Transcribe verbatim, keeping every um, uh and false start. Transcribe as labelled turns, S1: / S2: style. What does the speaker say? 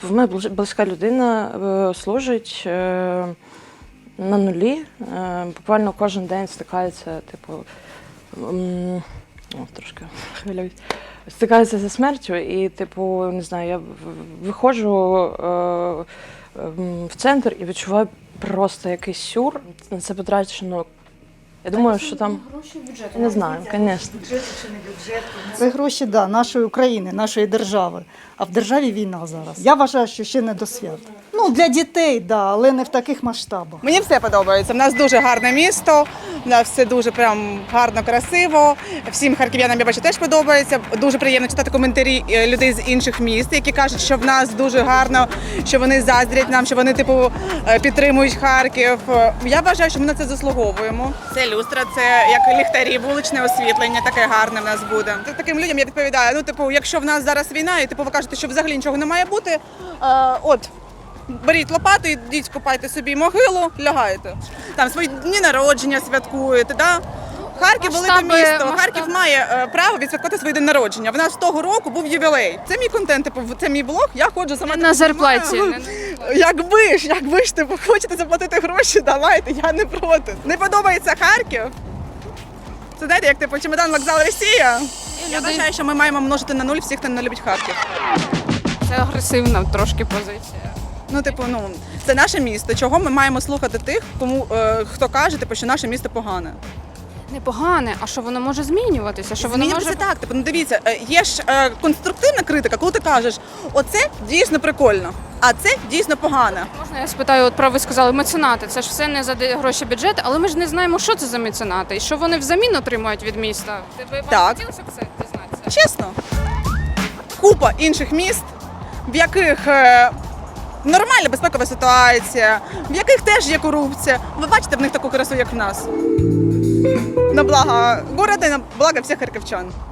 S1: В мене близька людина е, служить е, на нулі, е, буквально кожен день стикається, типу, м, о, трошки хвилююсь, стикається зі смертю і, типу, не знаю, я виходжу е, е, в центр і відчуваю просто якийсь сюр, на це потрачено. Я думаю, що там,
S2: гроші бюджету.
S1: не знаю, звісно.
S2: Бюджет чи не бюджет.
S3: Це гроші, да, нашої України, нашої держави. А в державі війна зараз. Я вважаю, що ще не до свят. Ну, для дітей, да, але не в таких масштабах.
S4: Мені все подобається. У нас дуже гарне місто, у нас все дуже прям гарно, красиво. Всім харків'янам, я бачу, теж подобається. Дуже приємно читати коментарі людей з інших міст, які кажуть, що в нас дуже гарно, що вони заздрять нам, що вони типу підтримують Харків. Я вважаю, що ми на це заслуговуємо. Це люстра, це як ліхтарі, вуличне освітлення, таке гарне в нас буде. Таким людям я відповідаю, ну типу, якщо в нас зараз війна, і типу ви кажете, що взагалі нічого не має бути, е, от. Беріть лопату, ідіть, копайте собі могилу, лягаєте. Там свої дні народження святкуєте. Да? Харків – велике
S2: Масштаби-
S4: місто.
S2: масштаби.
S4: Харків має е, право відсвяткувати свій день народження. В нас того року був ювілей. Це мій контент, типу, це мій блог, я ходжу сама.
S2: На зарплаті.
S4: Ну, Якби ж, якби ж, типу, хочете заплатити гроші, давайте, я не проти. Не подобається Харків? Це знаєте, як типу чемодан вокзал Росія? Я
S2: люди-
S4: вважаю, що ми маємо множити на нуль всіх, хто не любить Харків.
S2: Це агресивна трошки позиція.
S4: Ну, типу, ну це наше місто. Чого ми маємо слухати тих, кому е, хто каже, типу, що наше місто погане?
S2: Непогане, а що воно може змінюватися? Що воно
S4: Змінюватися
S2: може
S4: так. Типу, ну дивіться, е, є ж е, конструктивна критика, коли ти кажеш, оце дійсно прикольно, а це дійсно погане.
S2: можна я спитаю? От про ви сказали меценати. Це ж все не за де- гроші бюджету, але ми ж не знаємо, що це за меценати і що вони взамін отримують від міста. Ви вам
S4: Так.
S2: хотілося б це дізнатися?
S4: Чесно, купа інших міст, в яких е, нормальна безпекова ситуація, в яких теж є корупція. Ви бачите в них таку красу, як в нас. На благо города і на благо всіх харківчан.